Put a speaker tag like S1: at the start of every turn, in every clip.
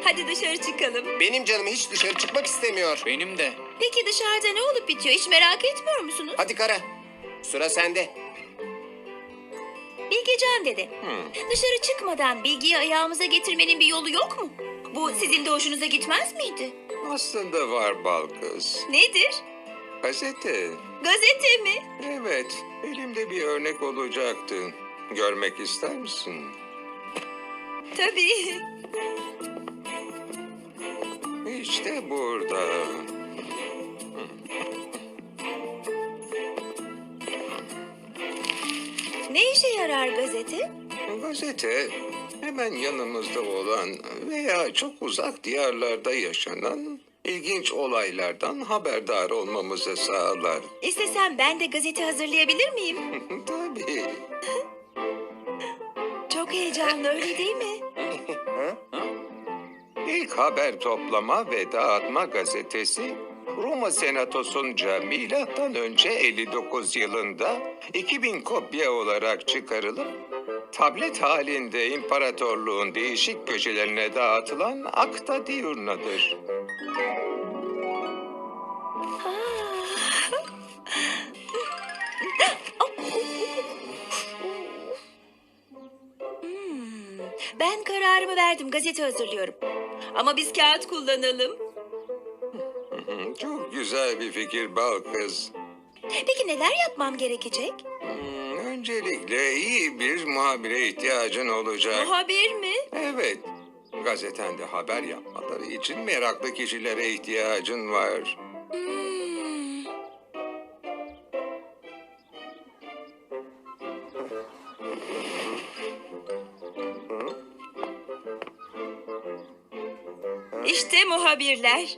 S1: Hadi dışarı çıkalım.
S2: Benim canım hiç dışarı çıkmak istemiyor.
S3: Benim de.
S1: Peki dışarıda ne olup bitiyor? Hiç merak etmiyor musunuz?
S2: Hadi Kara. Sıra sende.
S1: Bilgecan dede. Dışarı çıkmadan bilgiyi ayağımıza getirmenin bir yolu yok mu? Bu sizin de hoşunuza gitmez miydi?
S4: Aslında var bal kız.
S1: Nedir?
S4: Gazete.
S1: Gazete mi?
S4: Evet, elimde bir örnek olacaktı. Görmek ister misin?
S1: Tabii.
S4: İşte burada.
S1: Ne işe yarar gazete?
S4: Gazete hemen yanımızda olan veya çok uzak diyarlarda yaşanan ilginç olaylardan haberdar olmamızı sağlar.
S1: İstesem ben de gazete hazırlayabilir miyim?
S4: Tabii.
S1: Çok heyecanlı, öyle değil mi?
S4: İlk haber toplama ve dağıtma gazetesi Roma Senatosu'nca milattan önce 59 yılında 2000 kopya olarak çıkarılıp tablet halinde imparatorluğun değişik köşelerine dağıtılan Acta Diurna'dır.
S1: Ben kararımı verdim, gazete hazırlıyorum. Ama biz kağıt kullanalım.
S4: Çok güzel bir fikir bal kız.
S1: Peki neler yapmam gerekecek?
S4: Öncelikle iyi bir muhabire ihtiyacın olacak.
S1: Muhabir mi?
S4: Evet, gazetende haber yapmaları için meraklı kişilere ihtiyacın var.
S1: İşte muhabirler.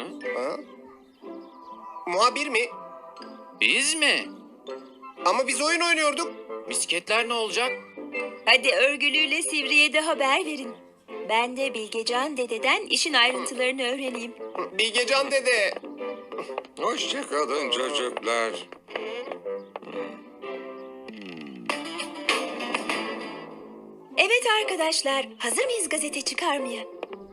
S2: Muhabir mi?
S3: Biz mi?
S2: Ama biz oyun oynuyorduk.
S3: Misketler ne olacak?
S1: Hadi örgülüyle Sivri'ye de haber verin. Ben de Bilgecan dededen işin ayrıntılarını öğreneyim.
S2: Bilgecan dede.
S4: Hoşça kalın çocuklar.
S1: Evet arkadaşlar, hazır mıyız gazete çıkarmaya?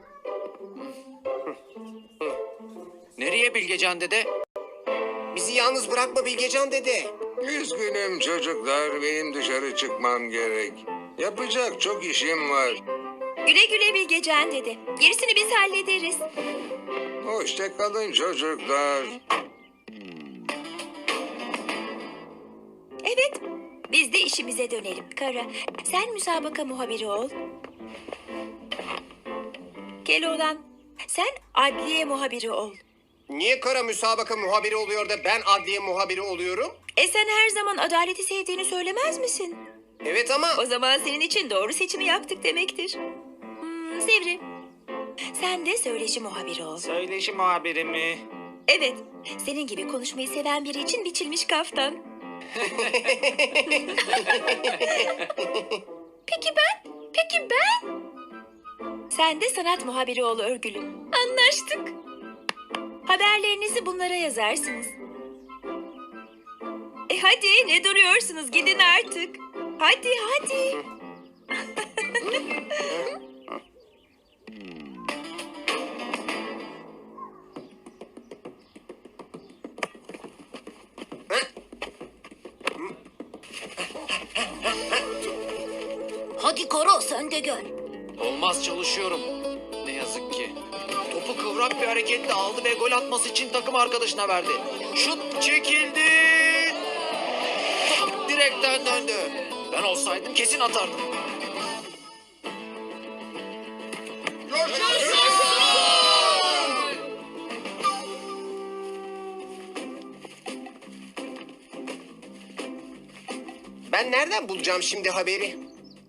S3: Nereye Bilgecan dede?
S2: Bizi yalnız bırakma Bilgecan dede.
S4: Üzgünüm çocuklar, benim dışarı çıkmam gerek. Yapacak çok işim var.
S1: Güle güle Bilgecan dede. Gerisini biz hallederiz.
S4: Hoşça kalın çocuklar.
S1: Evet, biz de işimize dönelim. Kara, sen müsabaka muhabiri ol. Keloğlan, sen adliye muhabiri ol.
S2: Niye Kara müsabaka muhabiri oluyor da ben adliye muhabiri oluyorum?
S1: Sen her zaman adaleti sevdiğini söylemez misin?
S2: Evet ama...
S1: O zaman senin için doğru seçimi yaptık demektir. Sivri, sen de söyleşi muhabiri ol.
S3: Söyleşi muhabiri mi?
S1: Evet, senin gibi konuşmayı seven biri için biçilmiş kaftan. Peki ben? Peki ben? Sen de sanat muhabiri ol örgülü. Anlaştık. Haberlerinizi bunlara yazarsınız. Hadi ne duruyorsunuz, gidin artık. Hadi hadi. Hadi Koro, sen de gel.
S3: Olmaz, çalışıyorum. Ne yazık ki. Topu kıvrak bir hareketle aldı ve gol atması için takım arkadaşına verdi. Şut çekildi. Top direkten döndü. Ben olsaydım kesin atardım.
S2: Ben nereden bulacağım şimdi haberi?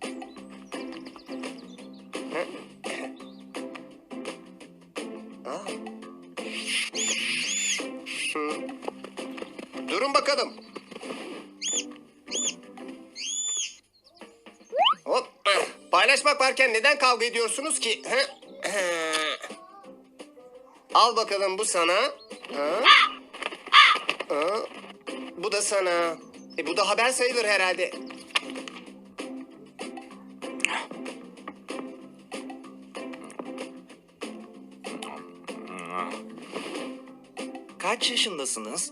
S2: Durun bakalım. Hop. Paylaşmak varken neden kavga ediyorsunuz ki? Al bakalım, bu sana. Bu da sana. Bu da haber sayılır herhalde.
S5: kaç yaşındasınız?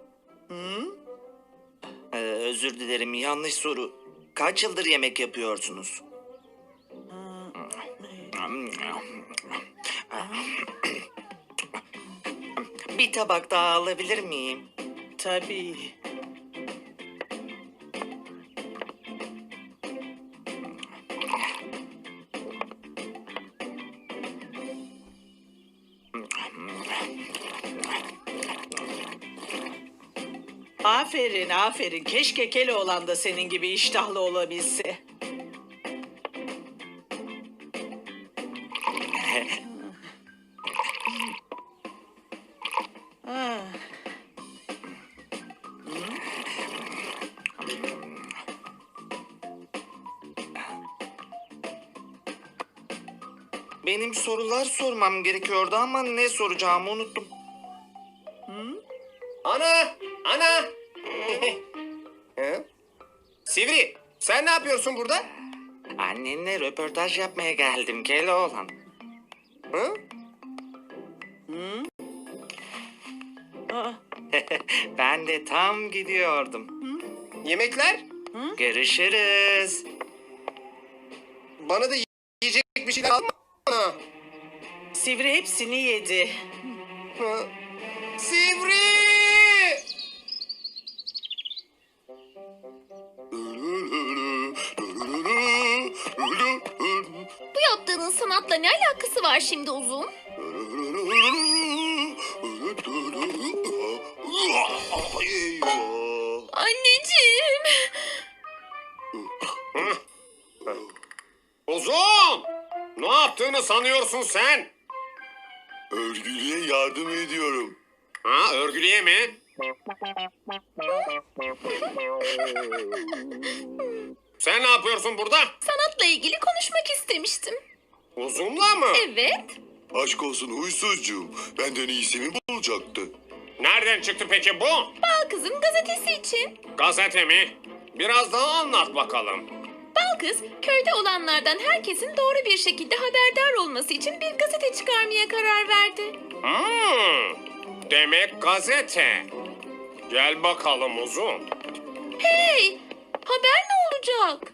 S5: Özür dilerim, yanlış soru. Kaç yıldır yemek yapıyorsunuz? Bir tabak daha alabilir miyim?
S6: Tabii. Aferin, aferin. Keşke Keloğlan da senin gibi iştahlı olabilse. Ah.
S5: Benim sorular sormam gerekiyordu ama ne soracağımı unuttum.
S2: Ana! Ana! Hı? Sivri, sen ne yapıyorsun burada?
S5: Annenle röportaj yapmaya geldim Keloğlan.
S2: Hı?
S6: Aa,
S5: Ben de tam gidiyordum.
S2: Yemekler?
S5: Görüşürüz.
S2: Bana da yiyecek bir şeyler alma. Ana.
S6: Sivri hepsini yedi.
S2: Hı? Sivri!
S1: Bu yaptığının sanatla ne alakası var şimdi uzun? Anneciğim.
S2: Uzun! Ne yaptığını sanıyorsun sen?
S7: Örgülüye yardım ediyorum.
S2: Ha, örgülüye mi? Sen ne yapıyorsun burada?
S1: Sanatla ilgili konuşmak istemiştim.
S2: Uzunla mı?
S1: Evet.
S7: Aşk olsun huysuzcuğum. Benden iyisi mi bulacaktı?
S2: Nereden çıktı peki bu?
S1: Bal Kız'ın gazetesi için.
S2: Gazete mi? Biraz daha anlat bakalım.
S1: Bal Kız, köyde olanlardan herkesin doğru bir şekilde haberdar olması için bir gazete çıkarmaya karar verdi.
S2: Demek gazete. Gel bakalım uzun.
S1: Hey, haber ne olacak?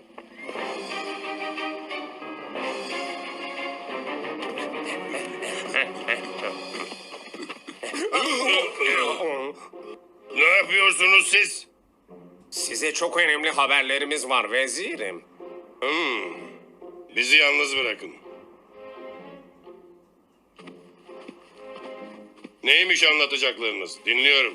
S7: Ne yapıyorsunuz siz?
S2: Size çok önemli haberlerimiz var vezirim.
S7: Bizi yalnız bırakın. Neymiş anlatacaklarınız? Dinliyorum.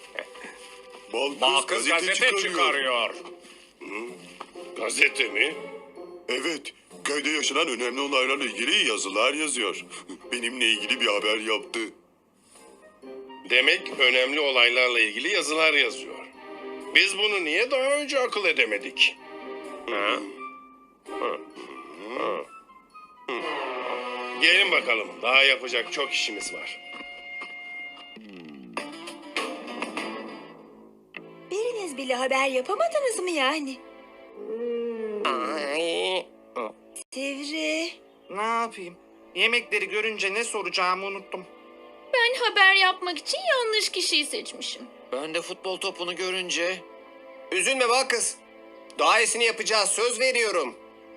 S2: Balkız gazete çıkarıyor.
S7: Gazete mi? Evet. Köyde yaşanan önemli olaylarla ilgili yazılar yazıyor. Benimle ilgili bir haber yaptı. Demek önemli olaylarla ilgili yazılar yazıyor. Biz bunu niye daha önce akıl edemedik? Gelin bakalım. Daha yapacak çok işimiz var.
S1: Biriniz bile haber yapamadınız mı yani?
S2: Ay.
S1: Sivri.
S5: Ne yapayım? Yemekleri görünce ne soracağımı unuttum.
S1: Ben haber yapmak için yanlış kişiyi seçmişim.
S3: Ben de futbol topunu görünce
S2: Üzülme Balkız. Daha iyisini yapacağız, söz veriyorum.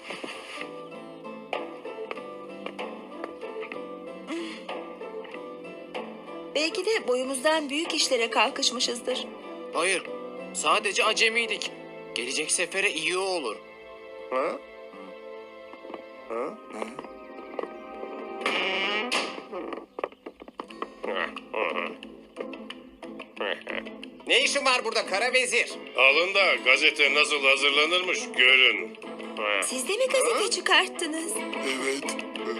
S1: Belki de boyumuzdan büyük işlere kalkışmışızdır.
S3: hayır, sadece acemiydik. Gelecek sefere iyi olur.
S2: Ha? Ha? Ne işin var burada kara vezir?
S7: Alın da gazete nasıl hazırlanırmış görün.
S1: Siz de mi gazete çıkarttınız?
S7: Evet.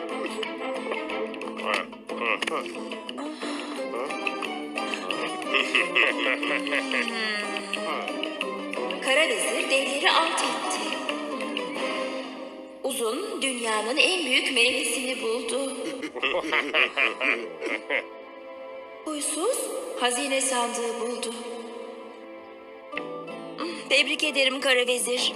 S1: Kara vezir devleri alt etti. Uzun dünyanın en büyük meyvesini buldu. Huysuz hazine sandığı buldu. Tebrik ederim Kara Vezir.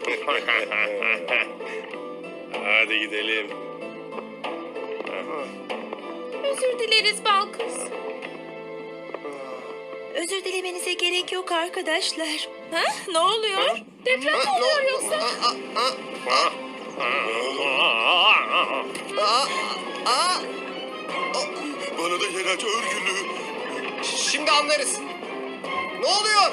S7: Hadi gidelim.
S1: Özür dileriz Balkız. Özür dilemenize gerek yok arkadaşlar. Ha? Ne oluyor? Deprem mi oluyor yoksa?
S7: Bana da yer aç örgülü.
S2: Şimdi anlarız. Ne oluyor?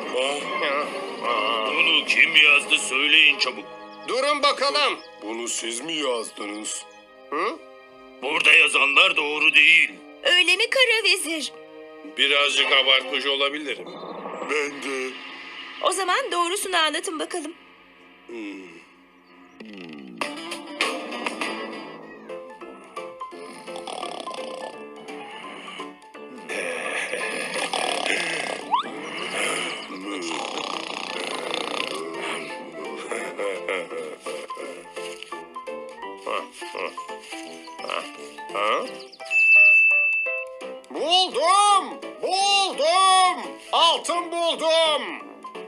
S8: Bunu kim yazdı söyleyin çabuk.
S2: Durun bakalım.
S7: Bunu siz mi yazdınız?
S2: Hı?
S8: Burada yazanlar doğru değil.
S1: Öyle mi kara vezir?
S7: Birazcık abartmış olabilirim. Ben de.
S1: O zaman doğrusunu anlatın bakalım.
S2: Buldum! Buldum! Altın buldum!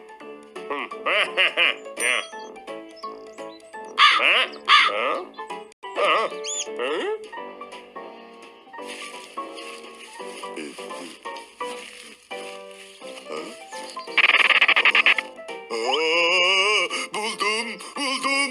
S7: Buldum, buldum.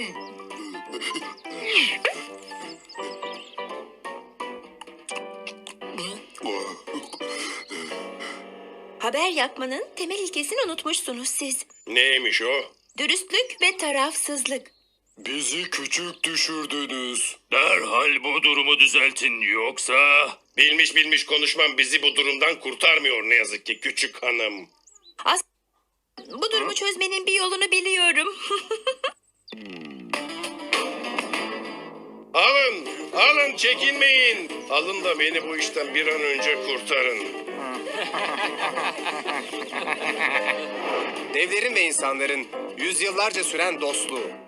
S1: Haber yapmanın temel ilkesini unutmuşsunuz siz.
S7: Neymiş o?
S1: Dürüstlük ve tarafsızlık.
S7: Bizi küçük düşürdünüz.
S8: Derhal bu durumu düzeltin yoksa...
S7: Bilmiş bilmiş konuşmam bizi bu durumdan kurtarmıyor ne yazık ki küçük hanım.
S1: Bu durumu çözmenin bir yolunu biliyorum.
S7: Alın, alın çekinmeyin. Alın da beni bu işten bir an önce kurtarın.
S2: Devlerin ve insanların yüzyıllarca süren dostluğu,